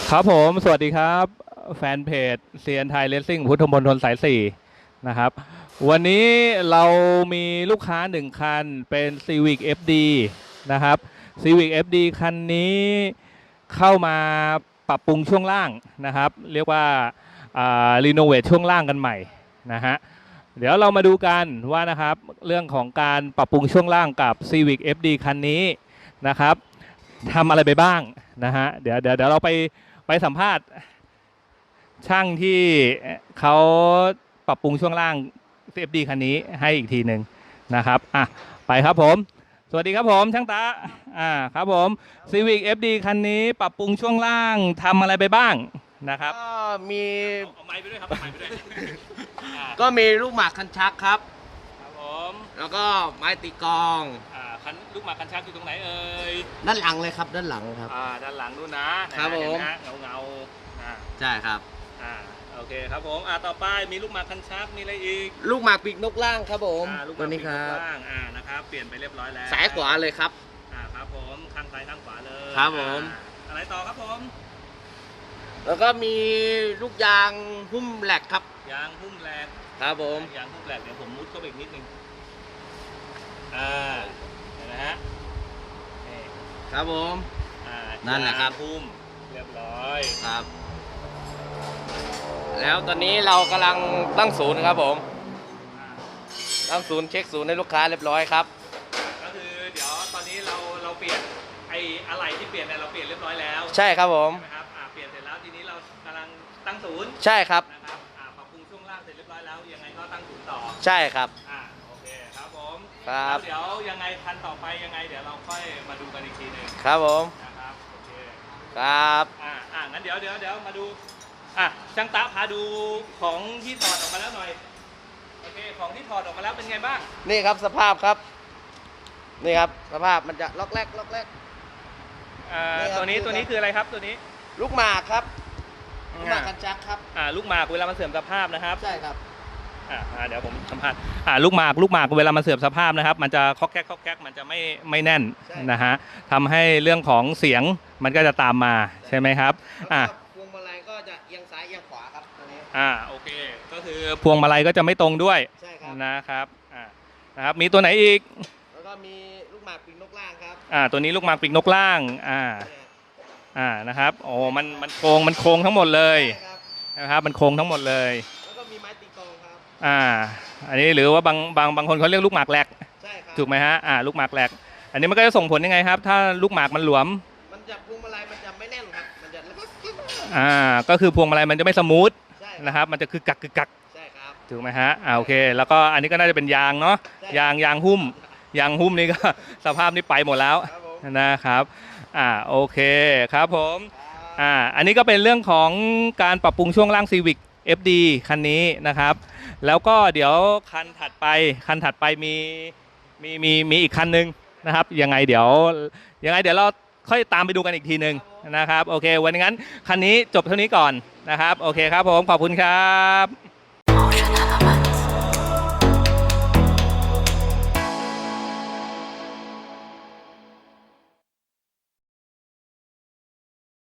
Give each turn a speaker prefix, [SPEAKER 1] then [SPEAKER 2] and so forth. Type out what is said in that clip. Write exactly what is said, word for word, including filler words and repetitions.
[SPEAKER 1] ครับผมสวัสดีครับแฟนเพจเซียนไทยเลสซิ่งพุทธมณฑลสายสี่นะครับวันนี้เรามีลูกค้าหนึ่งคันเป็น Civic เอฟ ดี นะครับ Civic เอฟ ดี คันนี้เข้ามาปรับปรุงช่วงล่างนะครับเรียกว่ารีโนเวทช่วงล่างกันใหม่นะฮะเดี๋ยวเรามาดูกันว่านะครับเรื่องของการปรับปรุงช่วงล่างกับ Civic เอฟ ดี คันนี้นะครับทำอะไรไปบ้างนะฮะเดี๋ยวเดี๋ยวเดี๋ยวเราไปไปสัมภาษณ์ช่างที่เขาปรับปรุงช่วงล่าง เอฟ ดี คันนี้ให้อีกทีหนึ่งนะครับอ่ะไปครับผมสวัสดีครับผมช่างตาอ่าครับผม Civic เอฟ ดี คันนี้ปรับปรุงช่วงล่างทำอะไรไปบ้างนะครับ
[SPEAKER 2] ก็มี
[SPEAKER 1] เอาไม้ไปด้วยครับไม้ไปด้วย
[SPEAKER 2] ก็มีลูกหมากคันชักครับ
[SPEAKER 1] ครับผม
[SPEAKER 2] แล้วก็ไม้ตีกลอง
[SPEAKER 1] อ่าคันลูกหมากคันชักอยู่ตรงไหนเอ่ย
[SPEAKER 2] ด้านหลังเลยครับด้านหลังครับ
[SPEAKER 1] อ่าด้านหลังนู่นนะครับผมเงาเงาอ่า
[SPEAKER 2] ใช่ครับ
[SPEAKER 1] อ่าโอเคครับผมอ่าต่อไปมีลูกหมากคันชักมีอะไรอีก
[SPEAKER 2] ลูกหมากปีกนกล่างครับผม
[SPEAKER 1] ตัวนี้ครับล่างอ่านะครับเปลี่ยนไปเรียบร้อยแล้ว
[SPEAKER 2] สายขวาเลยครับ
[SPEAKER 1] อ่าครับผมข้างซ้ายข้างขวาเลย
[SPEAKER 2] ครับผม
[SPEAKER 1] อะไรต่อครับผม
[SPEAKER 2] แล้วก็มีลูกยางหุ้มแหลกครับ
[SPEAKER 1] ยางหุ้มแหลก
[SPEAKER 2] ครับผม
[SPEAKER 1] ยางหุ้มแหลกเดี๋ยวผมมุดเข้าไปอีกนิดนึงอ่าเห็นไหมฮะ
[SPEAKER 2] ครับผม
[SPEAKER 1] อ่า
[SPEAKER 2] นั่นแหละครับ
[SPEAKER 1] หุ้มเรียบร้อย
[SPEAKER 2] ครับแล้วตอนนี้เรากำลังตั้งศูนย์ครับผมตั้งศูนย์เช็คศูนย์ให้ลูกค้าเรียบร้อยครับ
[SPEAKER 1] ก็คือเดี๋ยวตอนนี้เราเราเปลี่ยนไอ้อะไรที่เปลี่ยนเนี่ยเราเปลี่ยนเรียบร้อยแล้ว
[SPEAKER 2] ใช่ครับผม
[SPEAKER 1] นะครับอ่าเปลี่ยนเสร็จแล้วทีนี้เรากำลังตั้งศูนย์
[SPEAKER 2] ใช่ครับ
[SPEAKER 1] นะครับอ่าปรับปรุงช่วงล่างเสร็จเรียบร้อยแล้วยังไงก็ตั้งศูนย์ต่อ
[SPEAKER 2] ใช่ครับ
[SPEAKER 1] อ่าโอเคครับผม
[SPEAKER 2] ครับ
[SPEAKER 1] เดี๋ยวยังไงคันต่อไปยังไงเดี๋ยวเราค่อยมาดูกันอีกทีหนึ่ง
[SPEAKER 2] ครับผม
[SPEAKER 1] นะครับโอเค
[SPEAKER 2] ครับ
[SPEAKER 1] อ่าอ่างั้นเดี๋ยวเดี๋ยวเดี๋ยวมาดูอ่ะช่างตาพาดูของที่ถอดออกมาแล้วหน่อยโอเคของที่ถอดออกมาแล้วเป็นไงบ้าง
[SPEAKER 2] นี่ครับสภาพครับนี่ครับสภาพมันจะล็อกแรกล็อกแรก
[SPEAKER 1] อ่าตัวนี้ตัวนี้คืออะไรครับตัวนี้
[SPEAKER 2] ลูกหมากครับลูกหมากคันชักครับ
[SPEAKER 1] อ่าลูกหมากเวลามันเสื่อมสภาพนะครับ
[SPEAKER 2] ใช่ครับ
[SPEAKER 1] อ่าเดี๋ยวผมสัมภาษณ์อ่าลูกหมากลูกหมากเวลามันเสื่อมสภาพนะครับมันจะคอกแคกคอกแคกมันจะไม่ไม่แน่นนะฮะทำให้เรื่องของเสียงมันก็จะตามมาใช่ไหมครับอ่า
[SPEAKER 2] พวงมาลัยก็จะเอียงซ้ายเอียงขวาครับตัวนี้
[SPEAKER 1] อ่าโอเคก็คือพวงมาลัยก็จะไม่ตรงด้วย
[SPEAKER 2] ใช่ครับ
[SPEAKER 1] นะครับอ่านะครับมีตัวไหนอีก
[SPEAKER 2] แล้วก็มีลูกหมากปีกนกล่างครับ
[SPEAKER 1] อ่าตัวนี้ลูกหมากปีกนกล่างอ่าอ่านะครับโอ้มันมันโครงมันโครงทั้งหมดเลยนะครับมันโครงทั้งหมดเลย
[SPEAKER 2] แล้วก็มีไม้ตีกลองครับ
[SPEAKER 1] อ่าอันนี้หรือว่าบางบางบางคนเขาเรียกลูกหมากแหลก
[SPEAKER 2] ใช่ครับ
[SPEAKER 1] ถูกไหมฮะอ่าลูกหมากแหลกอันนี้มันก็จะส่งผลยังไงครับถ้าลูกหมากมันหลวม
[SPEAKER 2] มันจะพวงมาลัยมันจะไม่แน่นครับมันจะ
[SPEAKER 1] อ่าก็คือพวงมาลัยมันจะไม่สมูทนะครับมันจะคือกักคือกัก
[SPEAKER 2] ใช่ครับ
[SPEAKER 1] ถูกไหมฮะอ่าโอเคแล้วก็อันนี้ก็น่าจะเป็นยางเนาะยางยางหุ้มยางหุ้มนี่ก็สภาพนี้ไปหมดแล้วนะครับอ่าโอเคครับผมอ่าอันนี้ก็เป็นเรื่องของการปรับปรุงช่วงล่าง Civic เอฟ ดี คันนี้นะครับแล้วก็เดี๋ยวคันถัดไปคันถัดไปมีมีมีมีอีกคันนึงนะครับยังไงเดี๋ยวยังไงเดี๋ยวเราค่อยตามไปดูกันอีกทีหนึ่งนะครับโอเควันนี้งั้นคันนี้จบเท่านี้ก่อนนะครับโอเคครับผมขอบคุณครับ